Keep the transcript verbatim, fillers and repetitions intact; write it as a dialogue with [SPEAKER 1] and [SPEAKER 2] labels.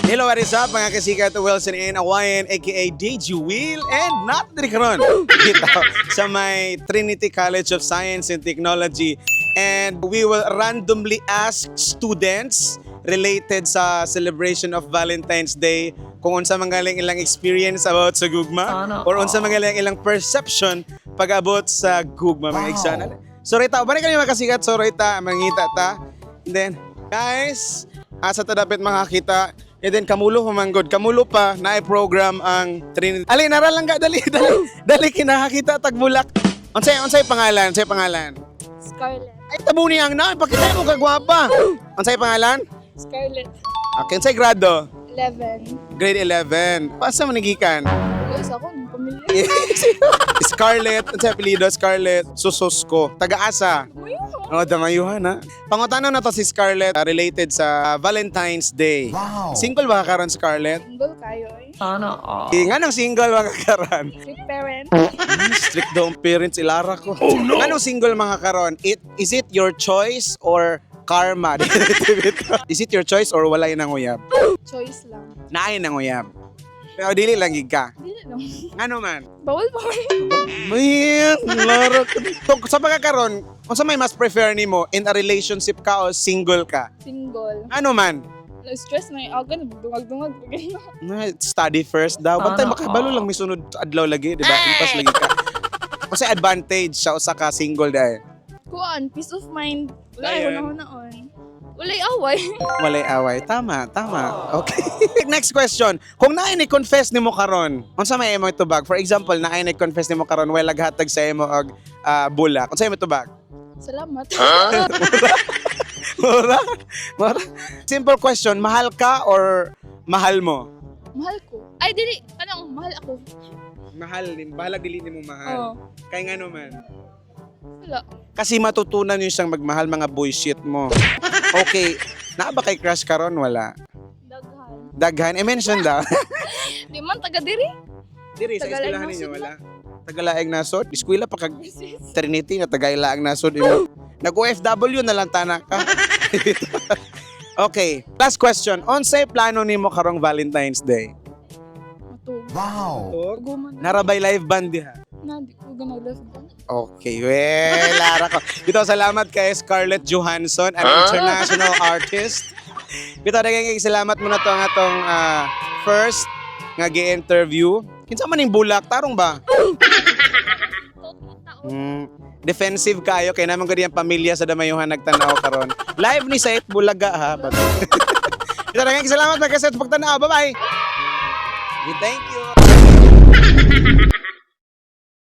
[SPEAKER 1] Hello, what is up mga kasika? Ito Wilson and Awayan aka D J Will and not diri karon dito sa may Trinity College of Science and Technology, and we will randomly ask students related sa celebration of Valentine's Day kung unsa man galing ilang experience about sa gugma or unsa man galing ilang perception pag-abot sa gugma mga igsoon. So rita, balik kami makasikat, so rita mangita ta. And then guys, asa ta dapat makakita. And then kamulo humanggod, kamulo pa na program ang Trinity. Ali nara lang ka, dali dali. Dali kinakakita tagbulak. Unsay unsay pangalan? Unsay pangalan?
[SPEAKER 2] Scarlett.
[SPEAKER 1] Ay tabo ni ang na, pakita mo kagwapa. Unsay pangalan?
[SPEAKER 2] Scarlett.
[SPEAKER 1] Okay, unsay grado?
[SPEAKER 2] eleven.
[SPEAKER 1] Grade eleven. Paasa man nagikan?
[SPEAKER 2] Ulos ako ng pamilya.
[SPEAKER 1] Scarlett, unsay apelyido? Scarlett Susosko. Taga-asa. Oh, damayuhan ha. Pangutano na to si Scarlett uh, related sa Valentine's Day. Wow. Single ba ka karon, Scarlett?
[SPEAKER 2] Single kayo eh.
[SPEAKER 3] Sana all.
[SPEAKER 1] Eh, nga nang single ba ka karon?
[SPEAKER 2] Strict parent.
[SPEAKER 1] Hmm, strict daw ang parents, ilara ko. Oh no! Anong single mga karon? It, is it your choice or karma? Is it your choice or walay nang uyab?
[SPEAKER 2] Choice lang.
[SPEAKER 1] Naay nang uyab. Pero dili lang gid ka.
[SPEAKER 2] Hindi lang.
[SPEAKER 1] Ano man?
[SPEAKER 2] Bawal pa rin.
[SPEAKER 1] Man, lara ko. So, sa pagkakaroon, kung sa may mas prefer nimo, in a relationship ka o single ka?
[SPEAKER 2] Single.
[SPEAKER 1] Ano man?
[SPEAKER 2] Na-stress na yung aga, nagdungag-dungag.
[SPEAKER 1] Na, study first daw. Bantay
[SPEAKER 3] Ano?
[SPEAKER 1] makabalo lang may sunod adlaw lagi, di ba? Impas lagi ka. Kasi advantage sa usa ka single dahil.
[SPEAKER 2] Kuan, peace of mind. Wala
[SPEAKER 1] Ayun.
[SPEAKER 2] ay hunahon-naon. Walay away.
[SPEAKER 1] Walay away. Tama, tama. Okay. Next question. Kung naay ni confess nimo karon, unsa may imo itubag? For example, naay ni confess nimo karon way laghatag sa imo og ah, bulak. Unsa imo itubag?
[SPEAKER 2] Salamat.
[SPEAKER 1] Mura? Mura? Simple question, mahal ka or mahal mo?
[SPEAKER 2] Mahal ko. Ay, dili. Anong, mahal ako.
[SPEAKER 1] Mahal din. Bahalag dili nimo mahal.
[SPEAKER 2] Oo.
[SPEAKER 1] Kay ngano man?
[SPEAKER 2] Wala.
[SPEAKER 1] Kasi matutunan yun siyang magmahal, mga bullshit mo. Okay. Naa ba kay crush karon? Wala.
[SPEAKER 2] Daghan.
[SPEAKER 1] Daghan. I-mention daw.
[SPEAKER 2] Di man, taga diri.
[SPEAKER 1] Diri, sa
[SPEAKER 2] Tagalaeng
[SPEAKER 1] eskwelahan ninyo,
[SPEAKER 2] nasod
[SPEAKER 1] wala. Tagalaeng nasod? Eskwela pa kag Trinity na tagailaang nasod. Nag-O F W na lang tanak ka. Okay. Last question. Unsay plano nimo karong Valentine's Day?
[SPEAKER 2] Matug.
[SPEAKER 1] Wow.
[SPEAKER 2] Guman.
[SPEAKER 1] Narabay live band diha.
[SPEAKER 2] Na, di ko ganag-left ba?
[SPEAKER 1] Okay, well, Lara ko. Ito, salamat kay Scarlett Johansson, an international artist. Ito, naging salamat mo na to ang atong ah, first nga gi-interview. Kinsa man ning bulak, tarong ba? Mm, defensive kayo, kaya naman ko ang pamilya sa Damayuhan nagtanaw karon. Live ni Sait Bulaga ha. Ito, naging salamat magkaset pagtanaw. Bye-bye! Thank you!